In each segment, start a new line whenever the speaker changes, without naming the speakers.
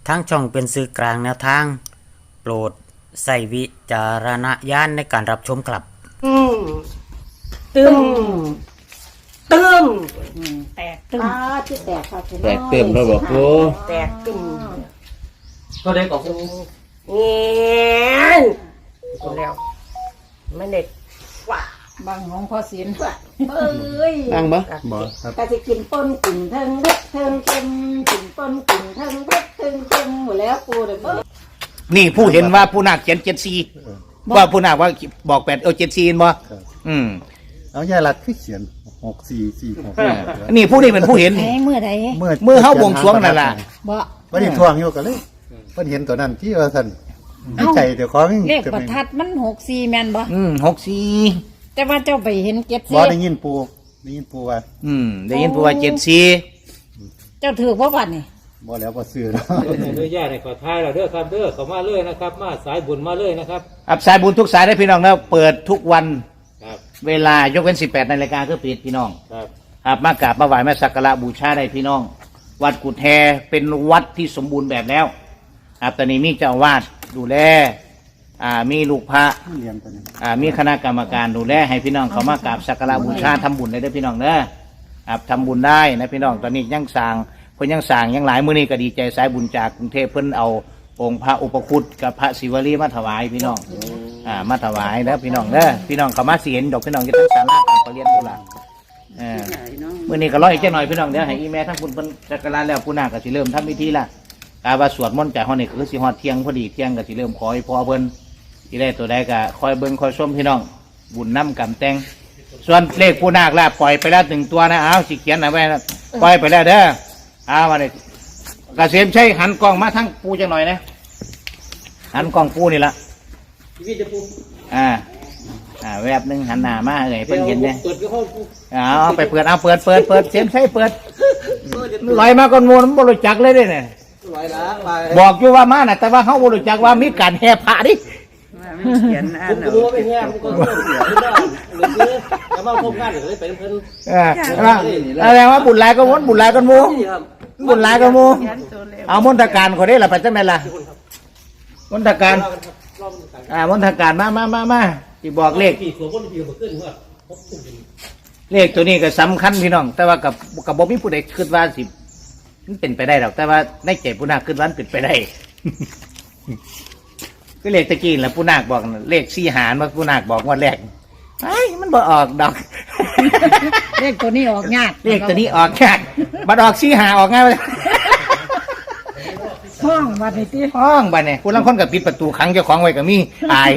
ทั้งช่องเป็นสื่อกลางแนวทางโปรดใส่วิจารณญาณในการรับชมครับ
ตึมตึม
แตกตึม
ที่แตกครับ
แตกเต็มแล้วบอกปู
แตกตึม
ก็ได้ของปู
เงี้ยกูแล้วไม่เด็ดว่า
บางของพอศีล
เอ้ย
นั่งบ่
บ่ครับ
ก็จะกินป้นกลิ่นเทิงเล็ดเทิงเค็มกินป้นกลิ่นเทิงเล็ดเทิงเค็มหมดแล้วกูเด้อ
นี่ผู้เห็นว่าผู้นาคเขียน74ว่าผู้นาคว่าบอก8เอา74บ่อืม
เอายาลัดคือเขียน6446
นี่ผู้นี้เป็นผู้เห็น
ไหนเมื่อใด
มือเฮาบวงสรวงนั่นล่ะ
บ่
บ่ได้ทวงอยู่ก็เลยเพิ่นเห็นตัวนั้นที่ว่าซั่นในใจเดี๋ยวของ
เลขประทัดมัน64แม่นบ่
64
แต่ว่าเจ้าไปเห็น74
บ่ได้ยินปูว่า
ได้ยินผู้ว่า74
เจ้าถือบ่บัดนี่
บ่แล้วบ่ซื้อเนาะ
อนุญาตให้ขอท้ายเราเด้อครับเด้อเข้ามาเลยนะครับ มาสายบุญมาเลยนะครับ
อับสายบุญทุกสายได้พี่น้องแล้วเปิดทุกวัน
ครับ
เวลายกเว้น18 นาฬิกาคือปิดพี่น้อง
ครับ
ครับมากราบมาไหว้มาสักการะบูชาได้พี่น้อง วัดกุฎแฮเป็นวัดที่สมบูรณ์แบบแล้วครับตอนนี้มีเจ้าอาวาสดูแลมีลูกพระ
เรียนตัวนี้
มีคณะกรรมการดูแลให้พี่น้องเขามากราบสักการะบูชาทำบุญได้ด้วยพี่น้องเนอะครับทำบุญได้นะพี่น้องตอนนี้ยังสร้างเพิ่นยังสร้างยังหลายมื้อนี้ก็ดีใจสายบุญจากกรุงเทพเพิ่นเอาองค์พระอุปคุตกับพระศิวลีมาถวายพี่น้องมาถวายแล้วพี่น้องเนอะพี่น้องเขามาเสียนดอกพี่น้องจะทั้งศาลาการประเรียนตุลามื้อนี้ก็รออีกจักหน่อยพี่น้องเดี๋ยวให้อีแม่ทั้งคุณเพิ่นสักการะแล้วผู้นาก็สิเริ่มทำพิธีละกาว่าสวดมนต์จากฮอดนี่ก็คือสิฮอดเที่ยงพอดีเที่ยงก็สิเริ่มขอให้พ่อเพิ่นที่ได้ตัวใดก็คอยเบิ่งคอยชมพี่น้องบุญน้ำกำแตงส่วนเลขผู้นาคลาปล่อยไปแล้ว1ตัวนะสิเขียนเอาไว้นะปล่อยไปแล้วเด้อมาเลยกเกษมใช้หันกล้องมาทั้งปูจังหน่อยนะหันกล้องปูนี่ละแวบหนึ่งหันหน้ามาเพิ่นเห็นเนี่ยเอาไปเปิดเสียมใช้เปิดลอยมาก่อนมูลมันบริจักเลยเนี่ยบอกอยู่ว่ามาน่ะแต่ว่าเขาบริจักว่ามีการแห่พระดิ
เขียนอัน
ผมรู้ว่าเป็นแง่ผมก็เสียไม่ได้หรือคือแล้วมาพบกันหรือไปเพิ่น
อะไรว่าบุญหลายก็วนบุญหลายก็มูบุญหลายก็มูเอามณฑการคนนี้ล่ะไปจังไหนล่ะมณฑการมณฑการมาที่บอกเลข
ปีหัวคนปีหัวขึ้นว่า
เลขตัวนี้ก็สำคัญพี่น้องแต่ว่ากับบ่มีผู้ใดคิดว่าสิมันเป็นไปได้หรอกแต่ว่าในใจผู้นาคคิดว่ามันเป็นไปได้ ก็เลขตะกี้แหละผู้นาคบอกเลข4หารว่าผู้นาคบอกว่าแรกไอ้มันบ่ออกดอก
เลขตัวนี้ออกยาก
เลขตัวนี้ออกยากบัดออก4หาออกง่ายเลย
ห้องบัดนี้ติ
ห้องบัดเนี่ยผู้ลังคนกับปิดประตูขังเจ้าของไว้ก็มีอาย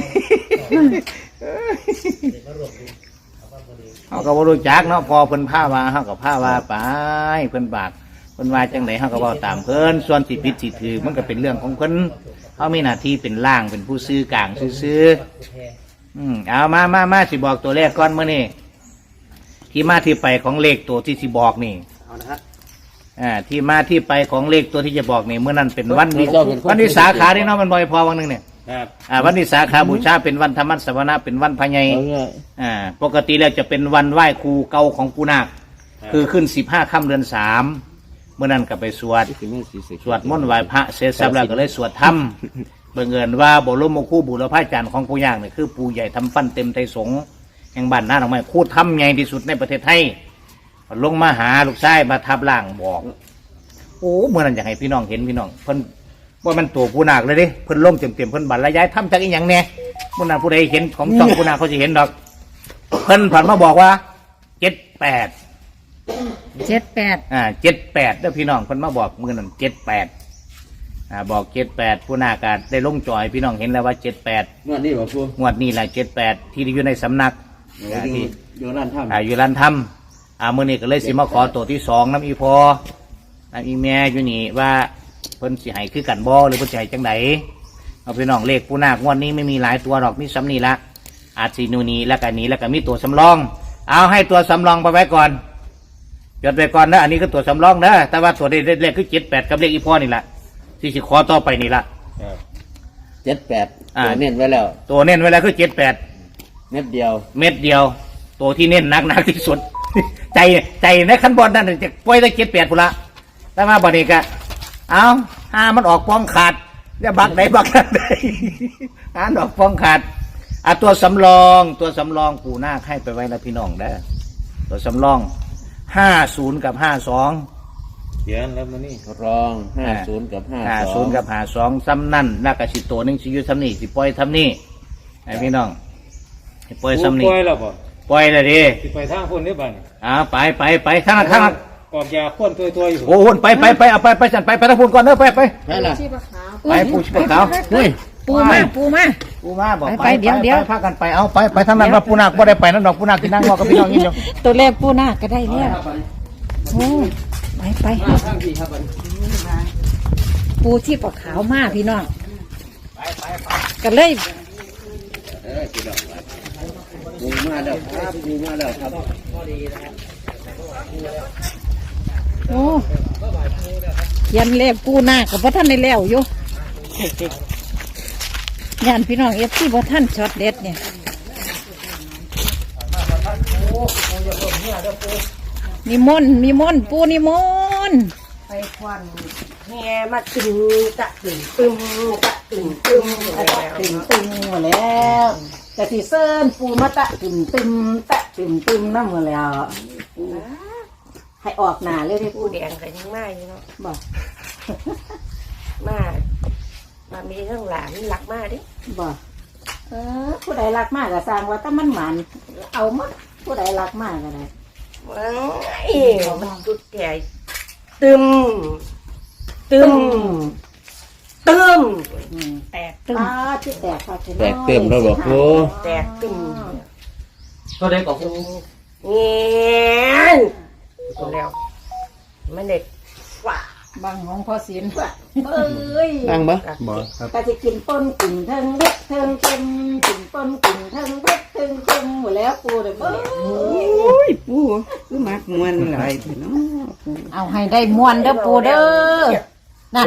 เขาก็บ่รู้จักเนาะพอเพิ่นผ้าว่าเขาก็ผ้าว่าไปเพิ่นบากเพิ่นว่าจังไดเขาก็เว้าตามเพิ่นส่วนสิผิดสิถือมันก็เป็นเรื่องของเพิ่นเขามีหน้าที่เป็นล่างเป็นผู้ซื้อกลางซื้อเอามาสิบอกตัวแรกก่อนมื้อนี้ที่มาที่ไปของเลขตัวที่สิบอกนี่เอานะฮะที่มาที่ไปของเลขตัวที่จะบอกนี่เมื่อนั้นเป็นวันวิสาขาที่เนาะมันบ่อยพอวันนึงเนี่ยวันวิสาขาบูชาเป็นวันธรรมสวนาเป็นวันพญายปกติแล้วจะเป็นวันไหว้ครูเก่าของปูนาคคือขึ้น15 ค่ำเดือน 3เมื่อนั้นก็ไปสวดมนต์ไหว้พระเสร็จสับแล้วก็เลยสวดธรรมบังเอิญว่าบรมครูบุรพาจารย์ของปู่ย่างเนี่ยคือปู่ใหญ่ทำฟันเต็มไทยสงฆ์แห่งบ้านนาหนองไม้ครูทำใหญ่ที่สุดในประเทศไทยลงมาหาลูกชายมาทับล่างบอกโอ้เมื่อนั้นอยากให้พี่น้องเห็นพี่น้องเพิ่นว่ามันตัวปูนาคเลยดิเพิ่นลงเต็มเพิ่นบรรยายทำจากอีหยังเนี่ยเมื่อนั้นผู้ใดเห็นของช่องปูนาคเขาจะเห็นดอกเพิ่นผ่านมาบอกว่า78 78เด้อพี่น้องเพิ่นมาบอกมื้อนั้น78บอก78ผู้นาคก็ได้ลงจอยพี่น้องเห็นแล้วว่า78
งวดนี้บ่ปู
งวดนี้แหละ78ที่อยู่ในสำนักที่
อยู่ร้านถ้ำ
อยู่ร้านถ้ำมื้อนี้ก็เลยสิมาขอตัวที่2น้ำอีพอน้ำอีแม่อยู่นี่ว่าเพิ่นสิให้คือกันบ่หรือเพิ่นสิให้จังไดเอาพี่น้องเลขผู้นาคงวดนี้ไม่มีหลายตัวหรอกมีซ้ำนี่ละอาจสินูนี้แล้วก็นี้แล้วก็มีตัวสำรองเอาให้ตัวสำรองไปไว้ก่อนจดไปก่อนนะอันนี้ก็ตัวสำรองนะแต่ว่าตัวเลขคือ78กับเลขอีพอนี่ละที่สิขอต่อไปนี่ละ
78ตัวเน้นไว้แล้ว
ตัวเน้นไว้แล้วคือ78
เม็ดเดียว
ตัวที่เน้นหนักที่สุด ใจในขั้นบนนั่นจะปล่อยได้78พุ่นละแต่มาบัดนี้ก็เอามันออกป้องขาดจะบักไหนบักนั่นได้หาดอกป้องขาดตัวสำรองปู่นาคให้ไปไว้นะพี่น้องได้ตัวสำรอง50กับ52
เขียนแล้วมานี่รอง50กับ
50กับ52ซ้ำนั่นแล้วก็สิตัวหนึงสิอยู่ซ้ำนี่สิปล่อยซ้ำนี่ให้พี่น้องสิปล่อยซ้ำนี่
ปล่อยแล้วบ่
ปล่อยเลยดิ
สิไปทางคนนี้บ้าน
ไปทางนั้น
กอกยาข้นตัวอยู่
โอ้โหไปเอาไปจันไปทางพุ่นก่อนเด้อไป
ไปล่ะ
ชีพขาว
ไปปูชิบขาว
เฮ้ย
ปูมาบอก
ไปเดี๋ยวพากันไปเอาไปทางนั้นว่าปูนาคบ่ได้ไปนั่นดอกปูนาคที่นั่งรอกับพี่น้องนี่เดียว
ตัวแรกปูนาคก็ได้แล้วโอ้ไป
ทางที่ครับบัด
ปูชีพขาวมาพี่น้องก็เลย
ปูมาแล้วครับ
โอ้ยันเลขปูนาคกับพ่ท่านในแล้วอยู่ยันพี่น้องเอฟที่พ่ท่านช็อตเด็ดเนี่ยนิมนต์ปูนิมนต์
ไปควันแห่มาตึงตะตึงตึมตะตึงตึมตะตึงตึมหมดแล้วแต่ที่เซิร์นปูมาตะตึงตึมตะตึงตึมนั่นหมดแล้วให้ออกหนาเลยที่ปู
ผู้แดงก็ยังมาอยู่เนาะ
บอก
มามีทั้งหลานหลักมาดิ
บอกผู้ใดรักมากก็สร้างว่าถ้ามันหมันเอามาผู้ใดรักมากก็ได้
มันจุดแก่ตึม
ตึม
แตกตึม
ที่แตกค่ะ
แตกเต็มแล้วบ่ปู
แตกตึม
ก็ได้กับปู
เงี้ยแล้วมันเด็กว่า
บางของพ่อศิลป์
เอ้ย
ตั้งบ่
บ่ครับ
ก็จะกินป้นกินเทิงเล็กเทิงเค็มกินป้นกินเทิงเล็กเทิงเค็มหมดแล้วปูเลยเบ้ย
ปูคือมักมวนหลายเนาะปู
เอาให้ได้มวนเด้อปูเด้อนั่น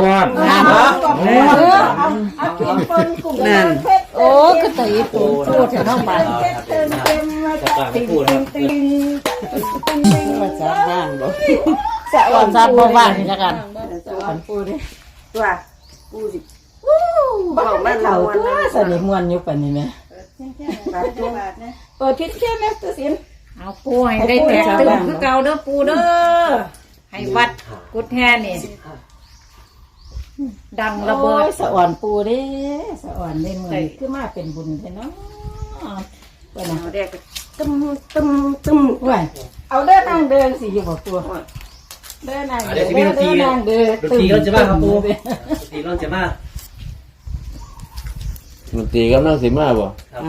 เอากินป้นกุ้งเผ็ด
โอ้ก็ตีปูพูดถึงน้องไป
เทิงเค็มมาจากติ่งติ่งติ่งติ่งติ่ง
ภาษาบ้านบ่
สะ
ก่อนซาบ่ว่างนี่ละกัน
ปูดิ
ว่าปูสิ
บอกไม่เท่าตัวสนิมวนอยู่ปานนี้แม่เปิดพิษแค่แม่ตัวสิน
เอาปูให้ได้แตกตึมคือเก่าเด้อปูเด้อให้วัดกุดแห่นี่ดังระเบิด
สะอ่อนปูเด้สะอ่อนได้มือคือมาเป็นบุญแท้เนาะเปิดนะ
เอาแดกตึม
ว้ยเอาเดินนั่งเดินสิอยู่บ่ตัวเดินนั่งเดินเดินนั่งเดิน
ดนตรีก็จะมาครับปูดนตรีก็จะมาดนตรีก็นั่งสิมาบ่
เอา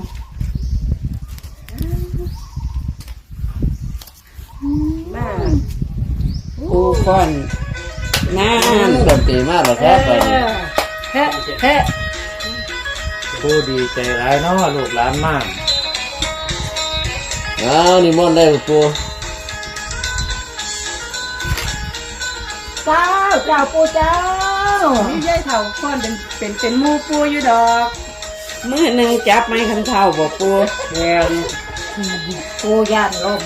มา
ปูก่อนนาน
ดนตรีมาหรอครับไป
เฮ้เฮ้
ปูดีใจร้ายเนาะลูกหลานมากนี่มอนได้ปู
เจ้าเจ้าปูเจ้า
นี่ยายเฒ่าก่อนเป็นหมู่ปูอยู่ดอกมื้อหนึงจับไม้คันเฒ่าบ่ปู
แม่น
ปูย่านลม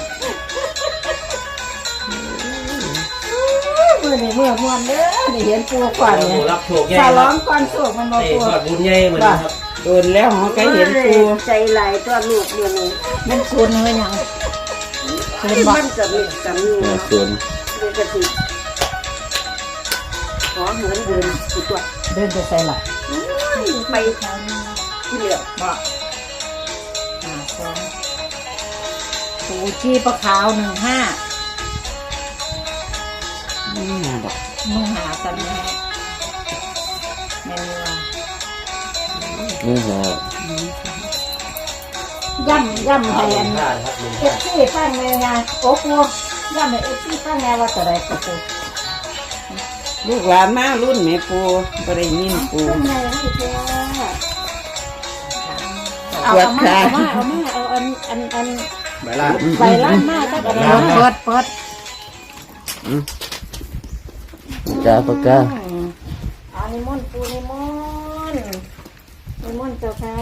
มือนี่มือมวนเด้อนี่เห็นปูก่อนเนี่ย
รับโชคใหญ่
สา
ค
ร้
รั
อบ งก่อนโศกมันมา
นี่
ปู
ทอดบุญใหญ่เหมือนกันครับ
โดนแล้วหอก็เห็นปู
ใจไหลตัวลูกอยู่นี่
มันคุณเฮ้ยยังคุณบอก
มันจะมีสามีเนาะ
ส่วน
มีกระติขอเหมือนเดิมอีกตัว
เดินไปใส่หลัก
ไปที่เหลือ
บอกปูชีปลาขาว15มึงหาสันแม่แม่ว่า
นี่ฮะ
ย่ำให้อันเอฟซีฟังเลยไงโอ้ปูย่ำให้เอฟซีฟังไงว่าแต่ใดก็ปู
ลูกหลานมารุ่นแม่ปูบ่ได้ยินปู
ฟังไงให้เจ้า
สวัสดีค่ะ
เอาอัน
ใบลาน
ใบล้านมากก็ได้
เปิด
ปากกา
อันนี้มนต์ปูนิมนต์นิมนต์เจ้าค่ะ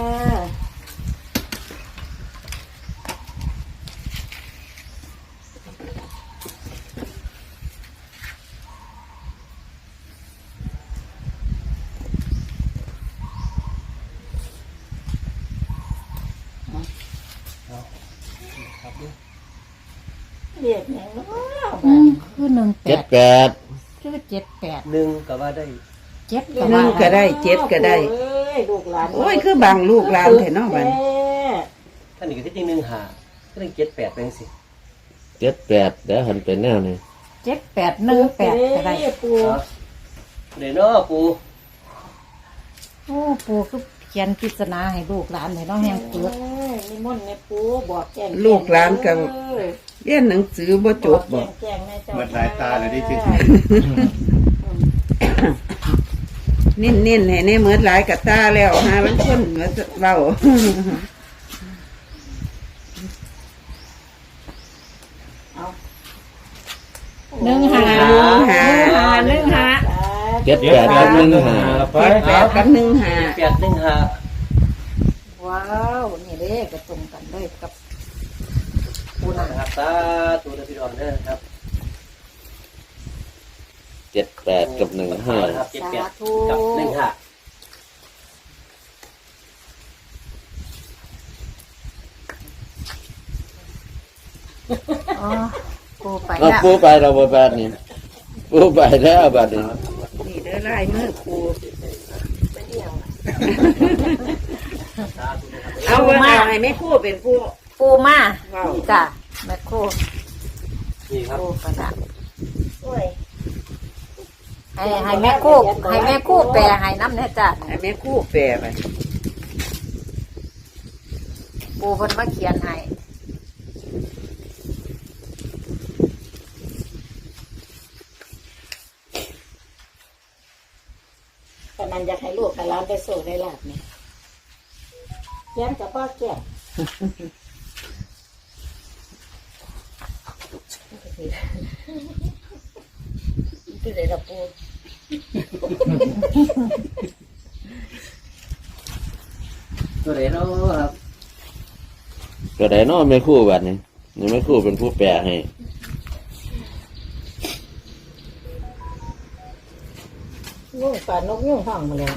เรียกแหงคือ18
78
คือ78
หนึ่งก็ว่าได้
7ก็
หนึ่งก็ได้เจ็ดก็ได้
เอ้ยลูกหลาน
โอ้ยคือบางลูกหลานแท้เนาะบัด
ท่านนี่ก็ที่จริงหนึ่งหาก็ได้เจ็ดแปดเป็นสิ
78แล้วหันเป็นแนวนี้
7818ก็ได้
ปู
เดี๋ยวเนาะปู
โอ้ปู่คือเขียนปริศนาให้ลูกหลานให้น้องแฮงเปิด
นิมนต์แม่ปูบอกแจ้ง
ลูกหลานก็เรียนหนังสือบ่จบบ่
แจ้งแม่เจ้า
เมื่อสายตาเลยดิจิ
เน้นๆให้ในเหมือนหลายกะตาแล้วหามันคนมาเว้า
78กับ15
ไปกับหนึ่งหา
แปดหนึ่งหา
ว้าวนี่เด้ก็ตรงกันเลยกับปูนา
นะครับตาตัวเดพี่ดอนเด้อครับ
78กับ15
ครับเจ็ดแปดกับหนึ่งหา
อ๋อปูไป
เอา
แล้ว
ปูไปเราบ่บาดนี้ปูไปแล้วบาดนี้
นี่เด้อลายมือครูเอาว่าเอาให้แม่ครูเป็นผู้
ปูมา
เว้า
จ้ะแม่ครู
นี่ครับ
ปูกระดาษให้แม่ครูแปลให้น้ำเนี่ยจ้ะ
ให้แม่ครูแปลไป
ปูเพิ่นมาเขียนให้
แต่มันอยากให้ลูกให้หลานได้โซ่ได้ลาบนี่แก้มกับพ่อแก้ม
คือได้ละปู
ตัวไหนเนาะครับ
ก็ได้เนาะแม่ครูบาดนี้นี่แม่ครูเป็นผู้แปลให้
นุ่งป่านกยุ่งห้องมาแล้ว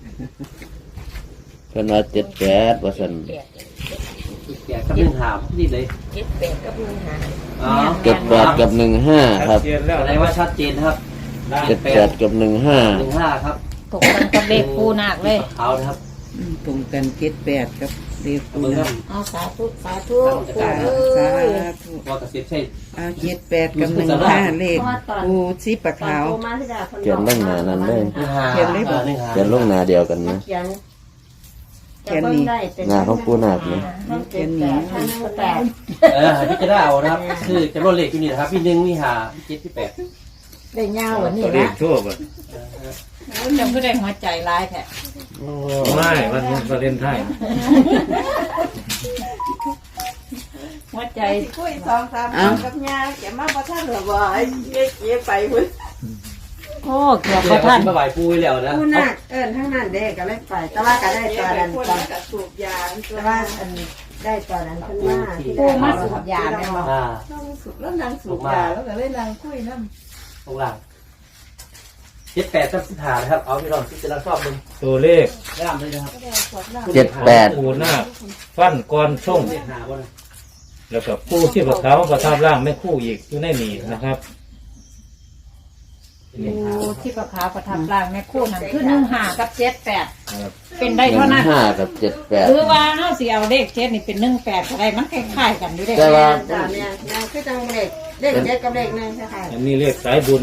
เพิ่นว่า78ว่าซั่น
แปดกับหนึ่งหานี่เลย
78กับ1หา
อ๋อ
78กับ15ครับ
อะไรว่าชัดเจนครับ
78กับ15
หนึ่งห้าครับ
ตกกันกับเลขปูนาคเลย
เอานะครับ
ตรงกัน78กับเด็ก
เอา
ปู
เบิ่งค
นะ
รับ
เอาสาธุสาธุปู
สา
เอ้ย
ธุ
ว่ากระเสียบใช่
เอา78กับ15เลขปูสีปะ
ตอน
ขาว
โตมาที่ดาคน
เขียนลงหน้านั้นเลย
หนึ่งหา
เขียนเลยบ่
หนึ่งหา
เขียนลงหน้าเดียวกันนะ
เขียน
เขียนนี่
หน้าของปูนาคนี่
เขียนนี่แปด
พี่จะได้เอานะครับคือจำนวนเลขอยู่นี่นะครับพี่หนึ่งมีหาพี่เจ็ดพี่แปด
ได้ยาวกว่านี้
เล
นะ
ขทั่วบ่
จำผู้ใดหัวใจร้ายแท้
ไม่วันประเด็นไทย
หัวใจ
คุย2-3กับยาแกมาบ่ทันหรอบ่ไอ้เก็บไปพุ่น
โอ้เกือบ
เดี๋
บ่
ยว
ทัน
มาไหวปูไว้แล้วนะ
ผู้นักเอิ้นทั้งนั้นเด้ก็เลยไป
แต่ว่าก็ได้ตอนนั้น
คน
ตอน
ก็สูบยา
แต่ว่าอันได้ตอนนั้นเพิ่นว่าที่
ปู
ได้
มาสูบยาแม่นบ่
อ่า
สูบแล้วนางสูบยาแล้วก็เลยนางคุยนำ
ตรงหลังเจ็ดแปดสักสิบหานะครับเอาพี่น้องที่จะรับชอบมึง
ตัวเลข
ย่ามเลยนะครับ
78
ปูหน้าฟันก้อนช่ง
เลขหาบ่นะ
แล้วก็ผู้ที่ประทับประทับร่างไม่คู่อีกอยู่ในนี่นะครับ
ปูที่ประคาประทับร่างแม่ครูนั่นคือ15กับ78
ครับ
เป็นได้เท่านั้น
15กับ78
หรือว่าเฮาสิเอาเลข7นี่เป็น18ก็ได้มันคล้ายๆกันอยู่เด้
แต่ว่า
จ้าเนี่ยยังคือจังเลขเลขเจ็ดกับเลขหนึ่งใช่ค่ะ
อันนี้เลขสายบุญ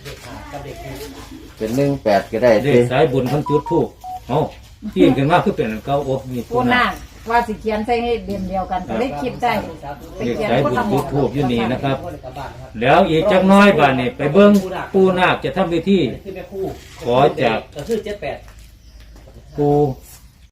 เป็น18ก็ได้
เล
สิ
ขสายบุญทั้งจุดทูกเอ้าที่เห็นกันว่าคือเป็นอันเก่าโอ้มี
ปูนาคว่าสิเขียนใส่ให้เดียมเดียวกันก็เลยคิดได้ไป
เลข
เขียน
สาย
คน
บุญ
ละหม
จุ
อ
ดทูบอยู่นี่นะครับ แล้วอีกจักน้อยบาดนี่ไปเบิ้งปูนาคจะทำพิธี
คือแม่คู่
ขอจาก
ก็คือเจ็ดแปด
ปู